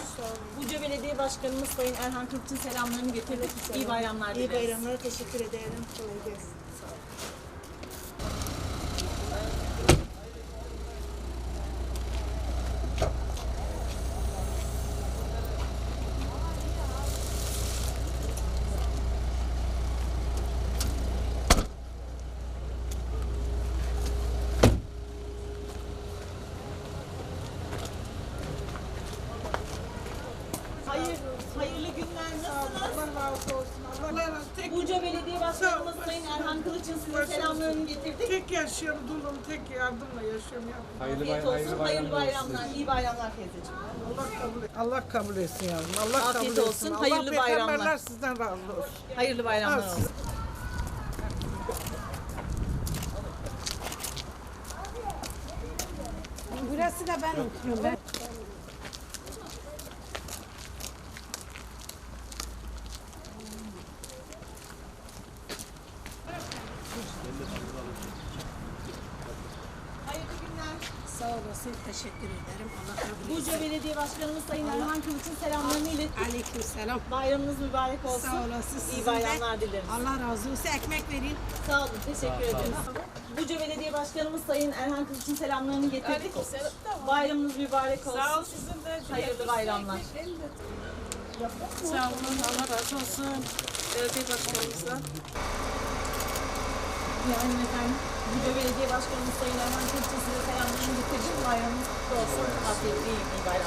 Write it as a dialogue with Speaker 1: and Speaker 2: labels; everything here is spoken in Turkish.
Speaker 1: Buca Belediye Başkanımız Sayın Erhan Kılıç'ın selamlarını getirdik. İyi bayramlar dileriz.
Speaker 2: İyi bayramlar, teşekkür ederim. Kolay gelsin. Sağ olun.
Speaker 1: Hayırlı günler. Nasılsınız?
Speaker 2: Allah razı olsun. Allah razı olsun.
Speaker 1: Buca Belediye Başkanımız Sayın Erhan Kılıç'ın size selamlarını getirdik.
Speaker 2: Tek yaşıyorum, dulum, tek yardımla yaşıyorum.
Speaker 1: Afiyet olsun. Hayırlı bayramlar. İyi bayramlar teyzeciğim.
Speaker 2: Allah kabul etsin yavrum. Allah
Speaker 1: Afiyet
Speaker 2: kabul
Speaker 1: olsun,
Speaker 2: etsin.
Speaker 1: hayırlı
Speaker 2: Allah
Speaker 1: bayramlar.
Speaker 2: peygamberler sizden razı olsun.
Speaker 1: Hayırlı bayramlar olsun.
Speaker 3: Burası da ben oturuyorum.
Speaker 1: Hayırlı günler.
Speaker 3: Sağ olasın, teşekkür ederim. Allah kabul etsin.
Speaker 1: Buca Belediye Başkanımız Sayın Erhan Kılıç'ın selamlarını ilettik.
Speaker 3: Aleykümselam.
Speaker 1: Bayramınız mübarek olsun.
Speaker 3: Sağ olasın.
Speaker 1: İyi
Speaker 3: Sizin
Speaker 1: bayramlar
Speaker 3: de.
Speaker 1: dileriz.
Speaker 3: Allah razı olsun. Ekmek verin.
Speaker 1: Sağ olun. Teşekkür ederiz. Buca Belediye Başkanımız Sayın Erhan Kılıç'ın selamlarını getirdik. Bayramınız mübarek olsun.
Speaker 4: Sağ ol sizin de.
Speaker 1: Hayırlı bayramlar.
Speaker 4: Sağ olun. Allah razı olsun. Belediye başkanımızdan.
Speaker 1: Yani efendim, Buca Belediye Başkanımız Sayın Erhan Kılıç'ın size selamlarını getirdik. Bayramınız kutlu olsun. Afiyetli iyi bayramlar.